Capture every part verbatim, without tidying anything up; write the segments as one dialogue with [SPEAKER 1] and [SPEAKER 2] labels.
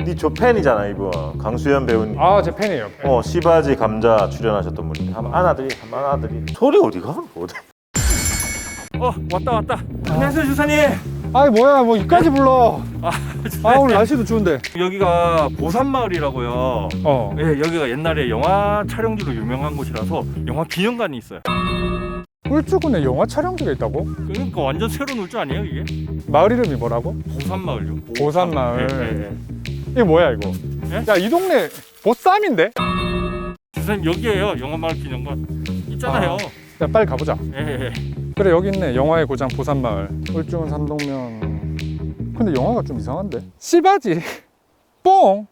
[SPEAKER 1] 네 조 팬이잖아 이분. 강수현 배우님.
[SPEAKER 2] 아, 제 팬이에요. 팬.
[SPEAKER 1] 어 시바지 감자 출연하셨던 분인데 한번 안아드리 한번 안아드리. 소리 어디가? 어디?
[SPEAKER 3] 어 왔다 왔다. 안녕하세요 주사님.
[SPEAKER 2] 아이 뭐야, 뭐 이까지 불러.
[SPEAKER 3] 아,
[SPEAKER 2] 아, 오늘 날씨도 추운데.
[SPEAKER 3] 여기가 보산마을이라고요.
[SPEAKER 2] 어.
[SPEAKER 3] 예, 여기가 옛날에 영화 촬영지로 유명한 곳이라서 영화 기념관이 있어요.
[SPEAKER 2] 울주군에 영화 촬영지가 있다고?
[SPEAKER 3] 그러니까 완전 새로운 울주 아니에요 이게?
[SPEAKER 2] 마을 이름이 뭐라고?
[SPEAKER 3] 보산마을요.
[SPEAKER 2] 보산마을.
[SPEAKER 3] 예, 예, 예.
[SPEAKER 2] 이게 뭐야 이거?
[SPEAKER 3] 예?
[SPEAKER 2] 야, 이 동네 보쌈인데?
[SPEAKER 3] 주사님 여기에요 영화마을 기념관 있잖아요.
[SPEAKER 2] 야, 빨리 가보자.
[SPEAKER 3] 예, 예.
[SPEAKER 2] 그래, 여기 있네. 영화의 고장 보산마을. 울주군 삼동면. 근데 영화가 좀 이상한데? 씨바지 뽕.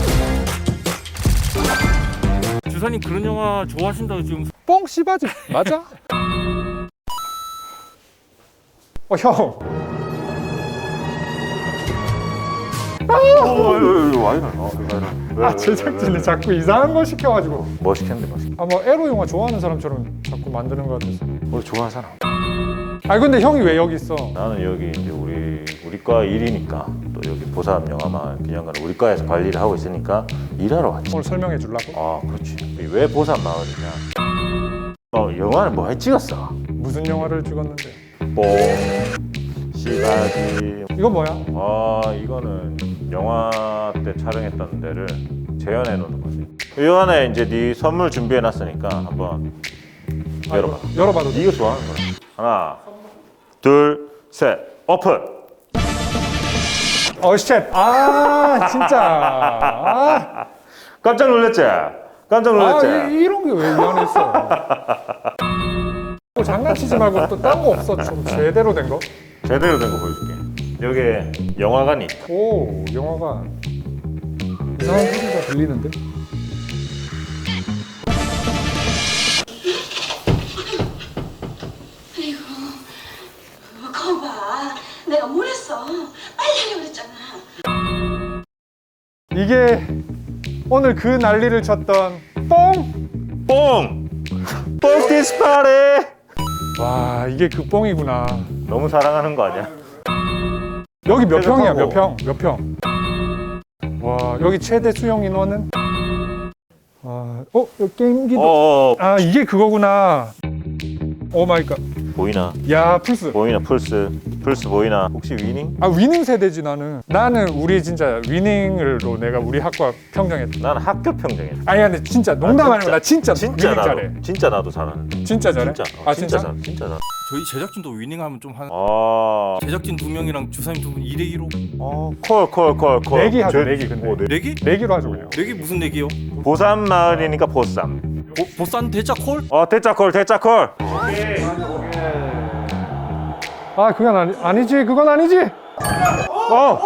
[SPEAKER 3] 주사님 그런 영화 좋아하신다고 지금.
[SPEAKER 2] 뽕 씨바지 맞아? 어, 형.
[SPEAKER 1] 와 이래. 어,
[SPEAKER 2] 아, 제작진이 자꾸 이상한 거 시켜가지고.
[SPEAKER 1] 뭐 시켰는데 뭐 시켰.
[SPEAKER 2] 아, 뭐 에로 영화 좋아하는 사람처럼 자꾸 만드는 것 같아서.
[SPEAKER 1] 우리 좋아하는 사람.
[SPEAKER 2] 아, 근데 형이 왜 여기 있어?
[SPEAKER 1] 나는 여기 이제 우리 우리 과 일이니까 또 여기 보삼 영화마을 기념관 우리 과에서 관리를 하고 있으니까 일하러 왔지.
[SPEAKER 2] 오늘 설명해 주려고?
[SPEAKER 1] 아 그렇지. 왜 보삼 마을이냐? 어 영화를 뭐 해 찍었어?
[SPEAKER 2] 무슨 영화를 찍었는데?
[SPEAKER 1] 뽕, 시바지.
[SPEAKER 2] 이거 뭐야?
[SPEAKER 1] 아 이거는 영화 때 촬영했던 데를 재현해 놓는 거지. 이 안에 이제 네 선물 준비해 놨으니까 한번
[SPEAKER 2] 아,
[SPEAKER 1] 열어봐.
[SPEAKER 2] 이거 열어봐도 돼?
[SPEAKER 1] 이거 좋아하는 거야. 하나, 둘, 셋, 오픈.
[SPEAKER 2] 어, 쉣. 아, 진짜. 아,
[SPEAKER 1] 깜짝 놀랐지? 깜짝 놀랐지?
[SPEAKER 2] 아, 이, 이런 게 왜 이 안에 있어? 뭐 장난치지 말고 또 딴 거 없어? 좀 제대로 된 거?
[SPEAKER 1] 제대로 된 거 보여줄게. 여기에 영화관이 있다.
[SPEAKER 2] 오, 영화가 이상한 소리가 들리는데?
[SPEAKER 4] 아이고, 거봐. 내가 뭘 했어? 빨리 하려고 그랬잖아.
[SPEAKER 2] 이게 오늘 그 난리를 쳤던 뽕!
[SPEAKER 1] 뽕! 뽕티스 파리!
[SPEAKER 2] 와, 이게 그 뽕이구나.
[SPEAKER 1] 너무 사랑하는 거 아니야?
[SPEAKER 2] 여기 몇 평이야, 몇
[SPEAKER 1] 쾌적하고.
[SPEAKER 2] 평? 몇 평? 와, 여기 최대 수용 인원은? 아, 어? 여기 게임기도.
[SPEAKER 1] 어어
[SPEAKER 2] 아, 이게 그거구나. 오 마이 갓.
[SPEAKER 1] 보이나?
[SPEAKER 2] 야, 플스.
[SPEAKER 1] 보이나 플스? 플스 보이나? 혹시 위닝?
[SPEAKER 2] 아, 위닝 세대지 나는. 나는 우리 진짜 위닝으로 내가 우리 학과 평정했다.
[SPEAKER 1] 난 학교 평정했어.
[SPEAKER 2] 아니 근데 진짜 농담 아니고 나 진짜
[SPEAKER 1] 진짜
[SPEAKER 2] 위닝
[SPEAKER 1] 나도
[SPEAKER 2] 잘해.
[SPEAKER 1] 진짜 나도 잘하는데.
[SPEAKER 2] 진짜 잘해?
[SPEAKER 1] 진짜. 어,
[SPEAKER 2] 아,
[SPEAKER 1] 진짜
[SPEAKER 2] 진짜?
[SPEAKER 1] 잘 진짜 잘.
[SPEAKER 3] 저희 제작진도 위닝하면 좀 한.
[SPEAKER 1] 아.
[SPEAKER 3] 제작진 두 명이랑 주사님 두 분 이 대 이로.
[SPEAKER 1] 어, 콜, 콜, 콜, 콜.
[SPEAKER 2] 내기 하죠,
[SPEAKER 1] 제-
[SPEAKER 2] 내기 근데.
[SPEAKER 1] 어, 네.
[SPEAKER 3] 내기?
[SPEAKER 2] 내기로 하죠 그냥.
[SPEAKER 3] 내기 무슨 내기요?
[SPEAKER 1] 보삼 마을이니까 보쌈.
[SPEAKER 3] 보, 보산 대짜 콜?
[SPEAKER 1] 어, 대짜 콜, 대짜 콜.
[SPEAKER 2] 아, 그건 아니, 아니지, 그건 아니지.
[SPEAKER 1] 어.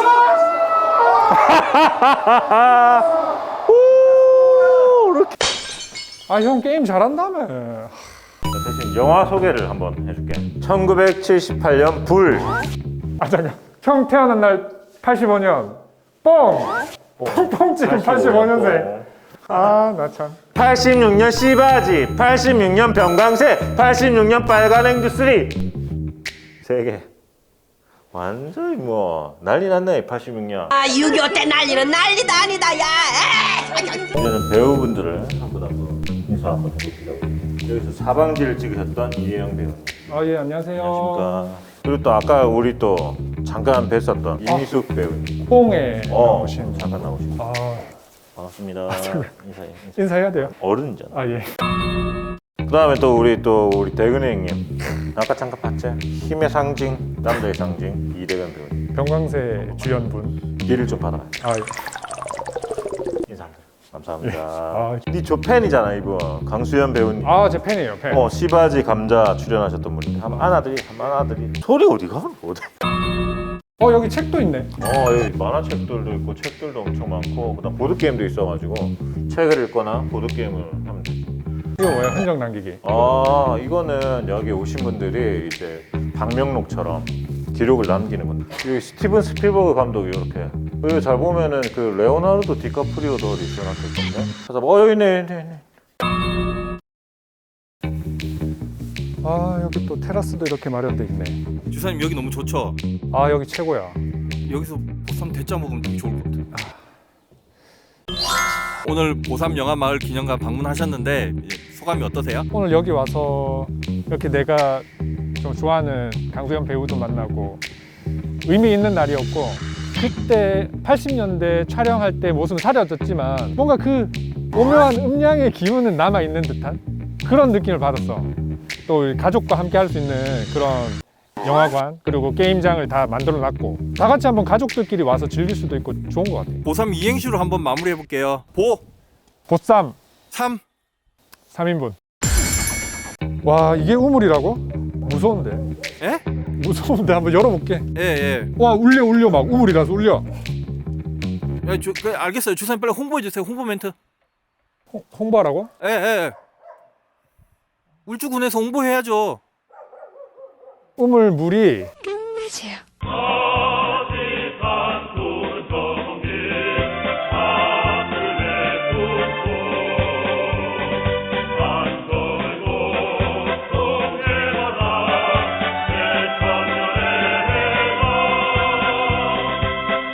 [SPEAKER 1] 오, 이렇게.
[SPEAKER 2] 아, 형 게임 잘한다며.
[SPEAKER 1] 대신 영화 소개를 한번 해줄게. 천구백칠십팔 년 불.
[SPEAKER 2] 아, 잠깐. 형 태어난 날 팔십오 년. 뽕. 뽕뽕 팔십오 년생. 아, 나 참.
[SPEAKER 1] 팔십육 년 씨바지, 팔십육 년 병광세, 팔십육 년 빨간 앵두 쓰리. 세 개. 완전히 뭐 난리 났네. 팔십육 년.
[SPEAKER 4] 아, 육이오 때 난리는 난리도 아니다, 야. 에이.
[SPEAKER 1] 이제는 배우분들을 한분 한분 인사 한번 해보시라고. 여기서 사방지를 찍으셨던 이혜영 배우.
[SPEAKER 2] 아, 예, 안녕하세요.
[SPEAKER 1] 안녕하십니까. 그리고 또 아까 우리 또 잠깐 뵀었던 이미숙 배우님.
[SPEAKER 2] 뽕에
[SPEAKER 1] 어,
[SPEAKER 2] 나오신.
[SPEAKER 1] 잠깐 나오신.
[SPEAKER 2] 아,
[SPEAKER 1] 반갑습니다. 인사해. 인사해.
[SPEAKER 2] 인사해야 돼요.
[SPEAKER 1] 어른이잖아.
[SPEAKER 2] 아, 예.
[SPEAKER 1] 그다음에 또 우리 또 우리 대근이 형님. 아까 잠깐 봤지? 힘의 상징, 남자의 상징 이대근 배우님.
[SPEAKER 2] 병광세 주연분.
[SPEAKER 1] 길을 좀 받아.
[SPEAKER 2] 아, 예.
[SPEAKER 1] 인사. 감사합니다.
[SPEAKER 2] 아,
[SPEAKER 1] 네조 팬이잖아 이분. 강수현 배우님.
[SPEAKER 2] 아, 제 팬이에요, 팬.
[SPEAKER 1] 어 시바지 감자 출연하셨던 분인데 한번 안아드리, 한번 안아드리. 소리 어디가? 어디?
[SPEAKER 2] 어, 여기 책도 있네.
[SPEAKER 1] 어 여기 만화책들도 있고 책들도 엄청 많고 그다음 보드 게임도 있어가지고 책을 읽거나 보드 게임을 하면 되지.
[SPEAKER 2] 이거 뭐야? 흔적 남기기.
[SPEAKER 1] 아 이거는 여기 오신 분들이 이제 방명록처럼 기록을 남기는 건데 여기 스티븐 스필버그 감독이 이렇게 여기 잘 보면은 그 레오나르도 디카프리오도 어디 있어놨을 건데 찾아봐. 어 여기 있네, 있네, 있네.
[SPEAKER 2] 아, 여기 또 테라스도 이렇게 마련돼 있네.
[SPEAKER 3] 주사님 여기 너무 좋죠?
[SPEAKER 2] 아, 여기 최고야.
[SPEAKER 3] 여기서 보쌈 대짜 먹으면 되게 좋을 것 같아요. 오늘 보삼 영화마을 기념관 방문하셨는데 이제 소감이 어떠세요?
[SPEAKER 2] 오늘 여기 와서 이렇게 내가 좀 좋아하는 강소연 배우도 만나고 의미 있는 날이었고, 그때 팔십 년대 촬영할 때 모습은 사라졌지만 뭔가 그 오묘한 음량의 기운은 남아있는 듯한 그런 느낌을 받았어. 또 우리 가족과 함께 할 수 있는 그런 영화관 그리고 게임장을 다 만들어 놨고 다 같이 한번 가족들끼리 와서 즐길 수도 있고 좋은 것 같아.
[SPEAKER 3] 보삼 이행시로 한번 마무리해 볼게요. 보,
[SPEAKER 2] 보쌈
[SPEAKER 3] 삼.
[SPEAKER 2] 삼 인분. 와, 이게 우물이라고? 무서운데?
[SPEAKER 3] 예?
[SPEAKER 2] 무서운데 한번 열어볼게.
[SPEAKER 3] 예, 예.
[SPEAKER 2] 와, 울려 울려 막 우물이라서 울려.
[SPEAKER 3] 야, 저, 그, 알겠어요. 주사님 빨리 홍보해 주세요. 홍보 멘트.
[SPEAKER 2] 홍, 홍보하라고?
[SPEAKER 3] 예, 예. 울주군에서 홍보해야죠.
[SPEAKER 2] 우물 물이
[SPEAKER 4] 끝내세요.